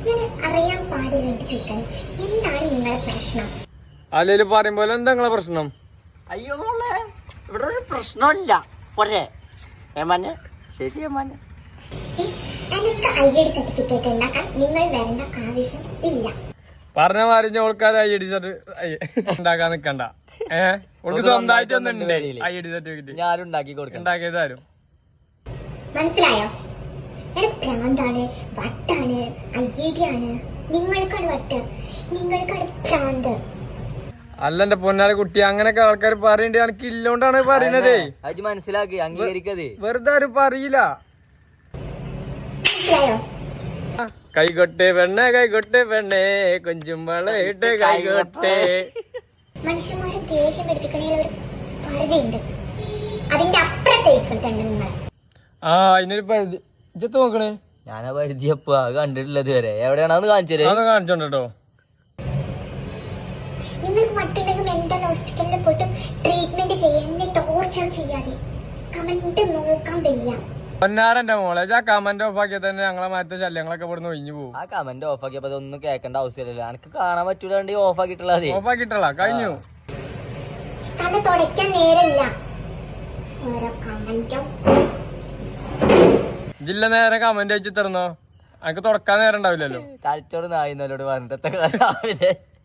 ഞാൻ അറിയാൻ പാടില്ല ചോദിക്കാൻ, എന്താണ് നിങ്ങളുടെ പ്രശ്നം? അല്ലേലും പറയുമ്പോ എന്താ നിങ്ങളെ പ്രശ്നം? അയ്യോ മോളെ, ഇവിടെ ഒരു പ്രശ്നമില്ല. പോരെ ഏമാനെ? ശരി ഏമാനെ. എനിക്ക് ID സർട്ടിഫിക്കറ്റ് ഉണ്ടാക്കാൻ നിങ്ങൾ വരേണ്ട ആവശ്യം ഇല്ല. പറഞ്ഞ മാറിഞ്ഞ ആൾക്കാർ ID ഉണ്ടാക്കാൻ നിക്കണ്ട. ഓൾക്ക് സ്വന്തമായിട്ടൊന്നും ID സർട്ടിഫിക്കറ്റ് ഞാനും ഉണ്ടാക്കി കൊടുക്കാം. ഉണ്ടാക്കിയത് തരും. മനസ്സിലായോ? പ്രാന്താണ്, വട്ടാണ്, ID ആണ്. നിങ്ങൾക്കാണ് വട്ട്, നിങ്ങൾക്കാണ് പ്രാന്ത്. അല്ല എന്റെ പൊന്നാര കുട്ടി, അങ്ങനൊക്കെ ആൾക്കാർ പറയണ്ടേ, എനിക്ക് ഇല്ലോണ്ടാണ് പറയണതേ. അത് മനസ്സിലാക്കി അംഗീകരിക്കത്. വെറുതെ ആരും പറയില്ല. മനസ്സിലായോ? കൈകൊട്ടെ പെണ്ണെ, കൈകൊട്ടെ പെണ്ണെ, കൊഞ്ചുമ്പളയിട്ട് കൈകൊട്ടെ. മനുഷ്യന്മാരെ ദേഷ്യം പഠിപ്പിക്കണേൽ ഒരു പരിധിയുണ്ട്. അതിന്റെ അപ്പുറത്തേക്കിട്ടുണ്ട് നിങ്ങൾ. ആ അതിനൊരു പരിധി. ഇജ്ജത്ത് നോക്കണേ, ഞാനാ പരിധിയപ്പോ കണ്ടിട്ടുള്ളത് വരെ. എവിടെയാണെന്ന് കാണിച്ചത്? കാണിച്ചോണ്ടോ. നിങ്ങൾക്ക് മറ്റുണ്ടെങ്കിൽ മെന്റൽ ഹോസ്പിറ്റലിൽ പോയിട്ട് ട്രീറ്റ്മെന്റ് ചെയ്യാൻ, എന്നെ ടോർച്ചർ ചെയ്യാതെ. കമന്റ് നോക്കാൻ വയ്യ. പൊന്നാരന്റെ മോളെ, ആ കമന്റ് ഓഫ് ആക്കിയാൽ തന്നെ ഞങ്ങളെ മറ്റേ ശല്യങ്ങളൊക്കെ ഇവിടുന്ന് ഒഴിഞ്ഞു പോകും. ആ കമന്റ് ഓഫ് ആക്കിയപ്പോ ഒന്നും കേൾക്കേണ്ട ആവശ്യമില്ലല്ലോ. എനിക്ക് കാണാൻ പറ്റൂല, ഓഫ് ആക്കിയിട്ടുള്ളത്. ഓഫ് ആക്കിയിട്ടുള്ള കഴിഞ്ഞു. തല തുടയ്ക്കാൻ നേരമില്ല. ഓരോ കമന്റും. ജില്ല നേരെ കമന്റ് അയച്ചു തരുന്നോ? എനിക്ക് തുടക്കാൻ നേരം ഉണ്ടാവില്ലല്ലോ. തലച്ചോട് നായിന്നോട് പറഞ്ഞിട്ട്